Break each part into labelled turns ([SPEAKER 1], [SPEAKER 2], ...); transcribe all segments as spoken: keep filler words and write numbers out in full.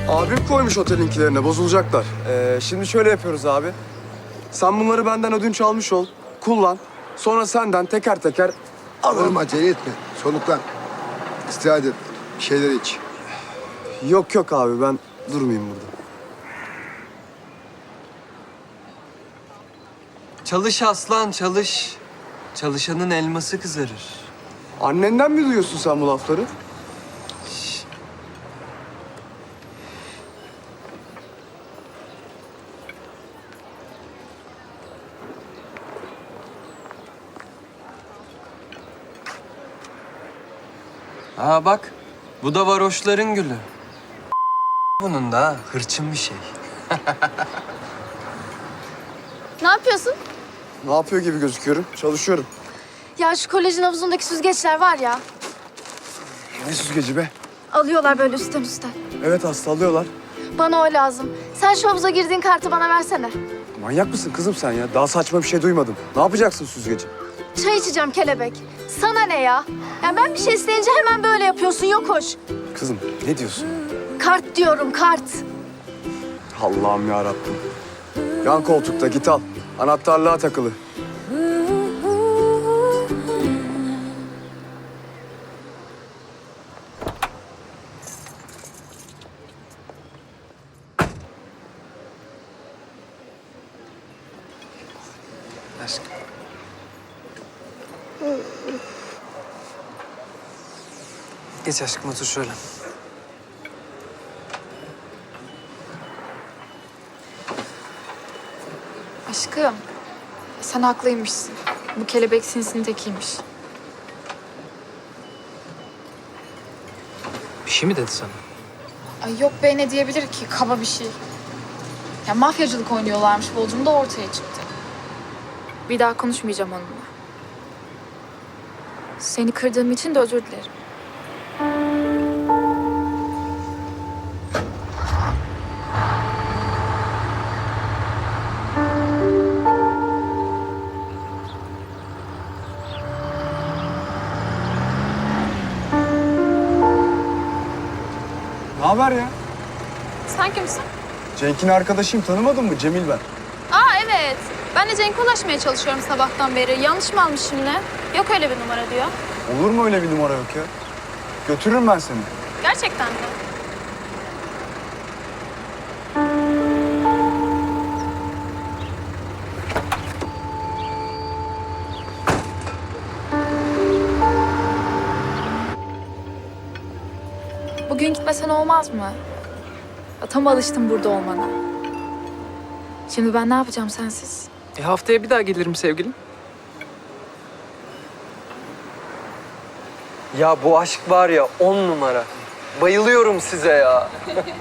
[SPEAKER 1] Abim koymuş otelinkilerine, bozulacaklar. Ee, şimdi şöyle yapıyoruz abi. Sen bunları benden ödünç almış ol, kullan. Sonra senden teker teker
[SPEAKER 2] Oğlum acele etme. Soluklan. İstirahat et. Bir şeyler iç.
[SPEAKER 1] Yok yok abi, ben durmayayım burada.
[SPEAKER 3] Çalış aslan çalış. Çalışanın elması kızarır.
[SPEAKER 1] Annenden mi duyuyorsun sen bu lafları?
[SPEAKER 3] Ha bak, bu da varoşların gülü. Bunun da hırçın bir şey.
[SPEAKER 4] Ne yapıyorsun?
[SPEAKER 1] Ne yapıyor gibi gözüküyorum? Çalışıyorum.
[SPEAKER 4] Ya şu kolejin havuzundaki süzgeçler var ya.
[SPEAKER 1] Ne süzgeci be?
[SPEAKER 4] Alıyorlar böyle üstten üstten.
[SPEAKER 1] Evet, hasta alıyorlar.
[SPEAKER 4] Bana o lazım. Sen şu havuza girdiğin kartı bana versene.
[SPEAKER 1] Manyak mısın kızım sen ya? Daha saçma bir şey duymadım. Ne yapacaksın süzgeci?
[SPEAKER 4] Çay içeceğim kelebek. Sana ne ya? Ya ben bir şey isteyince hemen böyle yapıyorsun. Yok hoş.
[SPEAKER 1] Kızım ne diyorsun?
[SPEAKER 4] Kart diyorum kart.
[SPEAKER 1] Allah'ım ya Rabbim. Yan koltukta, git al. Anahtarlığa takılı.
[SPEAKER 3] Aşkım. Geç aşkım, otur şöyle.
[SPEAKER 5] Aşkım, sen haklıymışsın. Bu kelebek sinsinin tekiymiş.
[SPEAKER 6] Bir şey mi dedi sana?
[SPEAKER 5] Ay yok be, ne diyebilir ki? Kaba bir şey. Ya mafyacılık oynuyorlarmış, Bolcum da ortaya çıktı. Bir daha konuşmayacağım onunla. Seni kırdığım için de özür dilerim.
[SPEAKER 1] Ne haber ya?
[SPEAKER 5] Sen kimsin?
[SPEAKER 1] Cenk'in arkadaşıyım, tanımadın mı? Cemil ben.
[SPEAKER 5] Aa evet. Ben de Cenk'e ulaşmaya çalışıyorum sabahtan beri. Yanlış mı almışım ne? Yok öyle bir numara diyor.
[SPEAKER 1] Olur mu öyle bir numara yok ya? Götürürüm ben seni.
[SPEAKER 5] Gerçekten mi? Bugün gitmesen olmaz mı? Ya, tam alıştım burada olmana. Şimdi ben ne yapacağım sensiz?
[SPEAKER 6] E haftaya bir daha gelirim sevgilim.
[SPEAKER 3] Ya bu aşk var ya, on numara. Bayılıyorum size ya.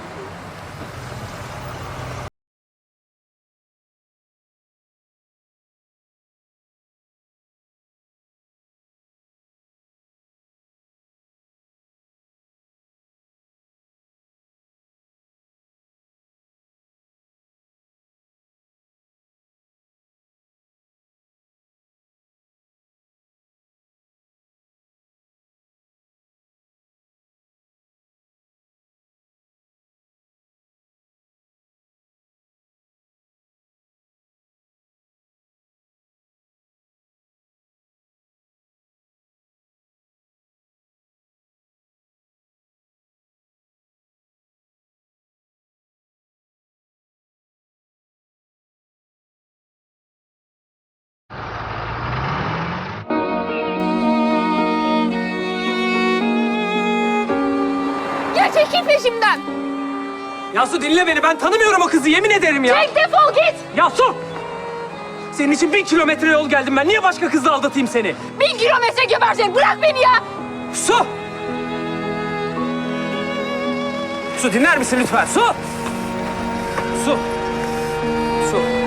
[SPEAKER 5] Ya çekil peşimden!
[SPEAKER 6] Yasu dinle beni, ben tanımıyorum o kızı, yemin ederim ya.
[SPEAKER 5] Cenk defol git!
[SPEAKER 6] Yasu! Senin için bin kilometre yol geldim ben. Niye başka kızla aldatayım seni?
[SPEAKER 5] Bin kilometre geberecek, bırak beni ya!
[SPEAKER 6] Su! Su dinler misin lütfen? Su! Su! Su!